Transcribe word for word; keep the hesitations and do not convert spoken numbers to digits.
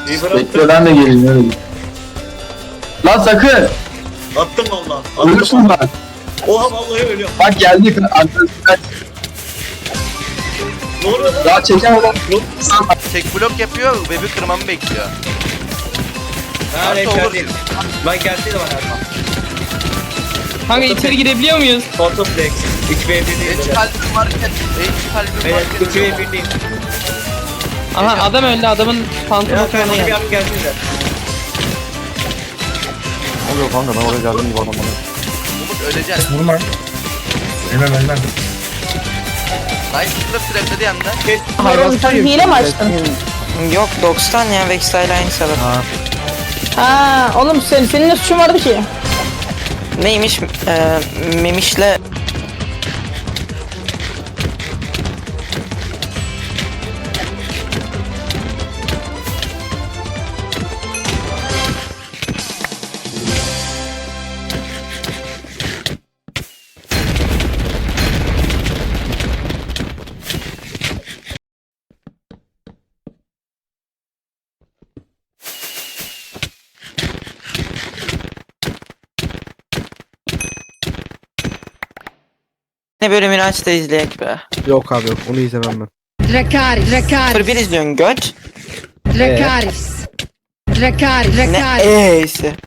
Bekle ben de geleyim öyle. Lan sakın. Attım valla. Ölürsün bak. Oha vallahi ölüyorum. Bak geldik. Arkadaşlar. Ne oluyor lan? Ya çekemem. Tek blok yapıyor, web'i kırmamı bekliyor. Ha Artı ne olur. geldiyim. Lan gelseydi bana Erman. Kanka içeri girebiliyor muyuz? Photoplex. üç ve bir değil. Hiç kalbim varken, hiç kalbim Evet varken üç ve ölüyorum. bir değil. Aha adam öldü, adamın pantolonu Ya falan sen bir geldi. yap gelseydi. Ne oluyor kanka ben oraya geldim gibi adam bana. Umut öleceksin. Vurma. Ölmem ölmem. Nice kılıp trapledi hem de. Oğlum sen hile mi açtın? Yok doksan ya Vex'tayla aynı sebep. Ha, oğlum sen, senin ne suçun vardı ki? Neymiş? Ee, Memiş'le ne bölümünü aç da izleyek be. Yok abi yok onu izlemem ben. Dracarys, Dracarys, sıfır bir izliyorsun göt. Dracarys. Dracarys, Ne Dracarys. e'si.